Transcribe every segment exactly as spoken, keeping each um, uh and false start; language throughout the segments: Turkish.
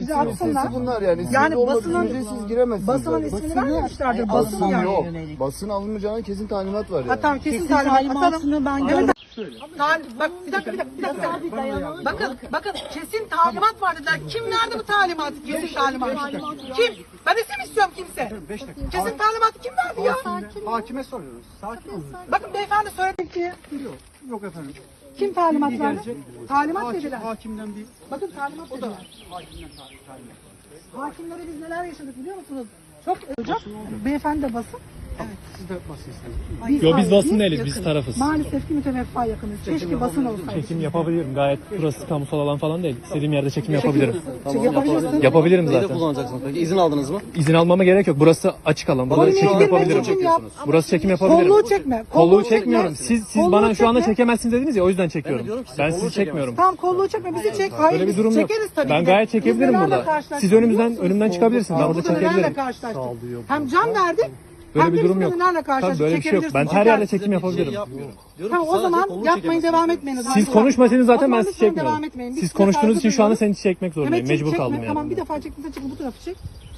bize atsınlar. Bunlar yani. Yani olmadığı basının, sürece siz giremezsiniz. basının zaten. ismini vermemişlerdir. Basın Basın yani. yok. Basın alınmayacağına kesin talimat var yani. Ha, tamam, kesin, Kesin talimat talimatını atalım. ben Evet. gördüm. Tal- bak bir dakika bir dakika. Bir dakika. Bakın bakın kesin talimat var dediler. Kim verdi bu talimatı? Kesin talimat. Kim? Ben isim istiyorum kimse. Kesin talimatı kim verdi ya? Hakime soruyoruz. Sakin olun. Bakın beyefendi söyledi ki. Yok, yok efendim. Kim talimat verdi? Gelecek. Talimat Hakim, dediler. hakimden bir... Bakın talimat dediler. Hakimden talimat. Hakimlere biz neler yaşadık biliyor musunuz? Çok hocam. Beyefendi de basın. Siz de basıyorsunuz. Yo biz hayır, basın değiliz, yakınız. biz tarafız. Maalesef ki müteveffa yakınız. Keşke basın olsaydı. Çekim yapabilirim. Gayet burası kamusal alan falan değil. İstediğim yerde çekim yapabilirim. Çekim yapabilirsin. Yapabilirim Neyi de zaten. kullanacaksınız peki? İzin aldınız mı? İzin almama gerek yok. Burası açık alan. Burada Kolunu çekim indirme, yapabilirim. çekim yap. Burası çekim yapabilirim. Kolluğu çekme. Kolluğu çekmiyorum. Siz siz Kolluğu bana şu anda çekme. çekemezsiniz dediniz ya, o yüzden Ben de çekiyorum. diyorum ki size Ben kolluğu sizi çekmiyorum. Tamam, kolluğu çekme, bizi çek. Hayır, Böyle bir biz durum yok. çekeriz tabii Ben ki de. gayet çekebilirim Biz nelerle burada. karşılaştık Siz biliyor önümüzden musunuz? önümden çıkabilirsiniz. Ben burada Burada nelerle çekebilirim. karşılaştık. Hem can verdik. Böyle hem bir de durum biz yok. nelerle Tabii karşılaştık. böyle bir şey yok. Ben Çekebilirsiniz. her yerde Çeker. çekim yapabilirim. Yapmıyorum. Diyorum Tamam, ki o sadece zaman kolunu yapmayın, çekemezsiniz. devam etmeyin. o zaman. Siz konuşmasanız O zaten zaman ben sizi lütfen devam çekmiyorum. etmeyin. Biz Siz size konuştuğunuz için şu anda saygı seni çekmek zorundayım. Evet, Mecbur çekme. kaldım yani. Tamam, bir defa çektiğinizde çekin, bu tarafı çek.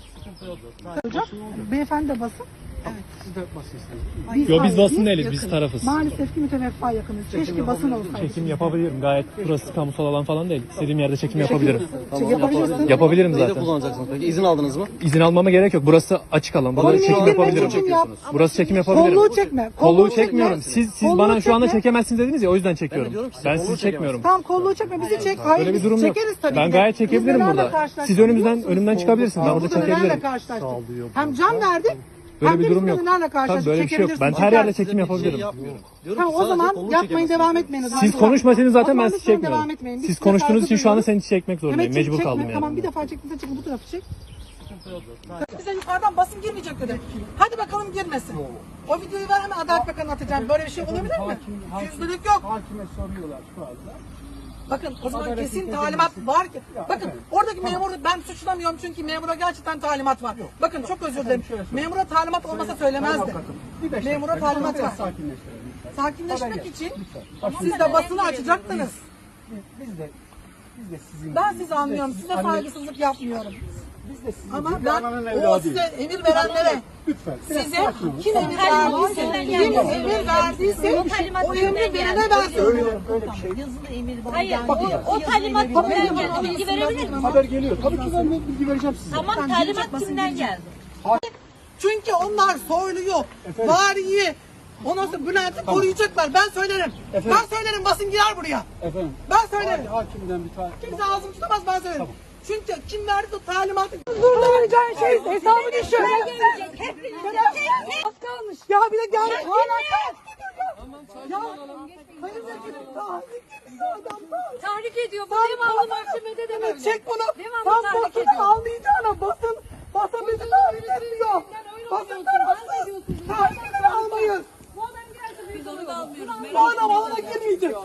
Hocam, beyefendi de basın. Siz de basıyorsunuz. Biz Yo biz hayır, basın değiliz, biz yakınız. tarafız. Maalesef ki müteveffa yakınız. Keşke basın olsaydı. Çekim yapabilirim. Gayet burası kamusal alan falan değil. İstediğim yerde çekim yapabilirim. Çek yapabilirsin. Yapabilirim Neyi de zaten. kullanacaksınız peki? İzin aldınız mı? İzin almama gerek yok. Burası açık alan. Burada Kolunu çekim indirme, yapabilirim. çekim yap. Burası çekim yapabilirim. Kolluğu çekme. Kolluğu çekmiyorum. Siz siz Kolluğu bana şu anda çekme. çekemezsiniz dediniz ya, o yüzden Ben de çekiyorum. diyorum ki size Ben kolluğu sizi çekmiyorum. Tamam, kolluğu çekme, bizi çek. Hayır, Böyle bir biz durum yok. çekeriz tabii Ben ki de. gayet Biz çekebilirim nelerle burada. karşılaştık Siz biliyor önümüzden musunuz? önümden çıkabilirsiniz. Ben burada Burada nelerle çekebilirim. karşılaştık. Hem can verdik. Böyle hem bir de durum biz yok. nelerle Tabii karşılaştık. böyle bir şey yok. Ben Çekebilirsiniz. her yerde Çeker. çekim Bir şey yapabilirim. yapmıyorum. Diyorum Tamam, ki o sadece zaman kolunu yapmayın, çekemezsiniz. devam etmeyin. o zaman. Siz konuşmasanız zaten O ben zaman sizi lütfen çekmiyorum. devam etmeyin. Biz Siz size konuştuğunuz saygı için şu anda duyuyoruz. seni çekmek zorundayım. Evet, çek, Mecbur çekme. kaldım yani. Tamam, bir defa çektiğinizde çekin, bu tarafı çek. Bize yukarıdan basın girmeyecek dedi. Hadi bakalım girmesin. O videoyu ver, hemen Adalet Bakanı'na atacağım. Böyle bir şey olabilir mi? Yüzlülük yok. Hakime soruyorlar şu anda. Bakın o zaman kesin talimat var ki. Bakın oradaki memur, ben suçlamıyorum çünkü memura gerçekten talimat var. Bakın çok özür dilerim. Memura talimat olmasa söylemezdi. Memura talimat var. Sakinleştirelim. Sakinleşmek için siz de basını açacaktınız. Biz de biz de sizin Ben sizi anlıyorum. Size saygısızlık yapmıyorum. biz de sizin Ama gibi bir ben ananın o evladıyız. size emir verenlere, Lütfen. size kim emir verdiyse, kim emir verdiyse o emri verene ben söylüyorum. Öyle bir şey. Yazılı emir var. Hayır, o, o talimat kimden geldi? Bilgi verebilir miyim? Haber geliyor. Tabii ki ben de bilgi vereceğim size. Tamam, talimat kimden geldi? Çünkü onlar soyluyu, variyi, ondan sonra Bülent'i koruyacaklar. Ben söylerim. Efendim? Ben söylerim, basın girer buraya. Efendim. Ben söylerim. Hakimden bir tane. Kimse ağzımı tutamaz, ben söylerim. Çünkü kim verdi o talimatı? Burada vereceğin şey hesabını düşün. Az kalmış. Ya bir de gel. Hala kaç Ya sayın vekilim, tahrik ediyor adam. Tahrik ediyor. Bu Sen devamlı basın- mahkemede de Evet, böyle. çek bunu. Devamlı Sen tahrik basını ediyor. almayacağına basın. Basın bizi tahrik ediyor. Basın tarafsız. Tahrik almayız. Bu adam geldi. Biz onu da almıyoruz. Bu adam alana girmeyecek.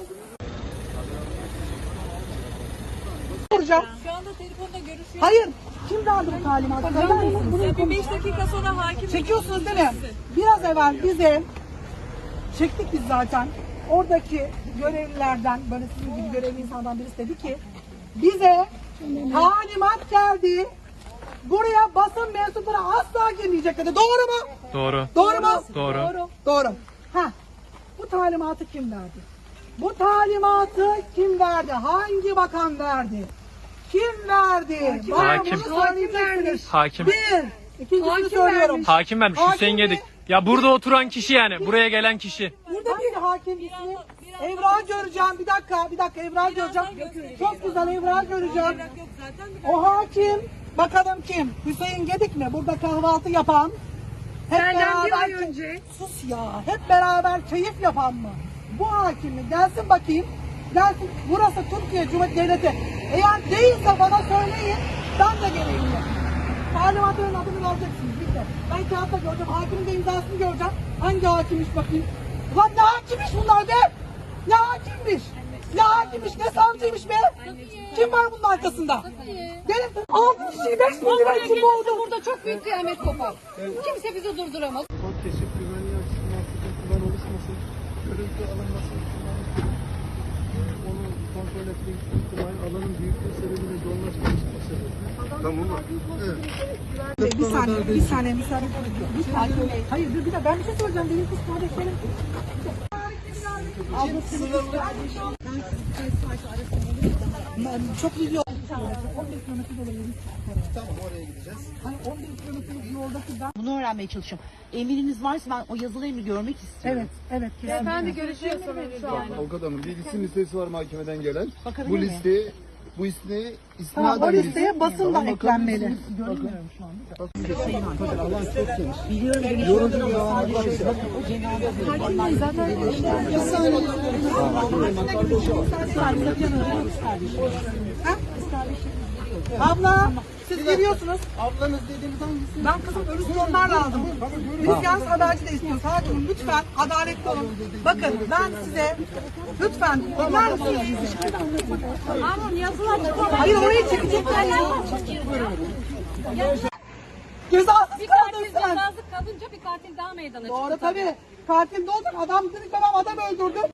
Soracağım. Şu anda telefonda görüşüyoruz. Hayır. Kim verdi bu talimatı? Söyler misiniz? Bunu Bir konuş- beş dakika sonra hakim. Çekiyorsunuz değil mi? Biraz evvel bize çektik biz zaten. Oradaki görevlilerden, böyle sizin gibi görevli insandan birisi dedi ki bize talimat geldi. Buraya basın mensupları asla girmeyecek dedi. Doğru mu? Doğru. Doğru mu? Doğru. Doğru. Doğru. Ha. Bu talimatı kim verdi? Bu talimatı kim verdi? Hangi bakan verdi? Kim verdi? Bana Hakim. bunu söyleyeceksiniz. Hakim. Bir. İkincisini söylüyorum. Hakim vermiş. Hakim Hüseyin mi? Gedik. Ya burada oturan kişi yani. Buraya gelen kişi. Burada bir hakim ismi. Evra göreceğim. Bir dakika, bir dakika Evra göreceğim. Çok güzel Evra göreceğim. O hakim, bakalım kim? Hüseyin Gedik mi? Burada kahvaltı yapan. Hep beraber önce. Sus ya. Hep beraber keyif yapan mı? Bu hakim mi? Gelsin bakayım. Gelsin. Burası Türkiye Cumhuriyeti Devleti. Eğer değilse bana söyleyin. Ben de geleyim. Talimatların adını vereceksiniz. Bitti. Ben kağıtta göreceğim. Hakimin de imzasını göreceğim. Hangi hakimmiş bakayım. Ulan ne hakimmiş bunlar be? Ne hakimmiş? Ne hakimmiş? Ne savcıymış be? Kim var bunun arkasında? Gelin. Altı kişiyi beş bin lira için boğdu. Burada çok büyük kıyamet kopar. Kimse bizi durduramaz. Keşif güvenliği açısından sıkıntılar oluşmasın. Görüntü alınması ihtimali. Onu kontrol etmek ihtimali alanın büyüklüğü sebebiyle yoğunlaşması sebebi. Bir saniye, bir saniye müsaade. Bir saniye. Hayır, dur bir de ben bir şey soracağım. Benim kız kardeşlerim. Çok iyi yol. on beş kilometre yol olabilir. Tamam, oraya gideceğiz. Hani on beş kilometre yoldaki ben... Bunu öğrenmeye çalışıyorum. Emriniz varsa ben o yazılı emri görmek istiyorum. Evet, evet. Efendi görüşüyorsunuz şu an. Avukat hanım bir isim listesi var mahkemeden gelen. Bakabilir Bu miyim? listeyi, bu isteği Tamam, o istinaden bir listeye isim. basın da Tamam, eklenmeli. Görmüyorum şu anda. Biliyorum beni yorumcu ama sadece şöyle bakın o cenaze. Abla, siz geliyorsunuz. Ablanız dediğiniz hangisi? Ben kızım ölüsünü onlarla aldım. Biz yalnız haberci de istiyoruz. Hakimim lütfen adaletli olun. Bakın ben size lütfen dinler misiniz? Ama yazılar çıkıyor. Hayır orayı çekecekler ya. Cezasız Bir kaldın katil sen. cezası kalınca bir katil daha meydana çıktı. Doğru tabii. Katil de olacak. Adam dedik babam adam öldürdü.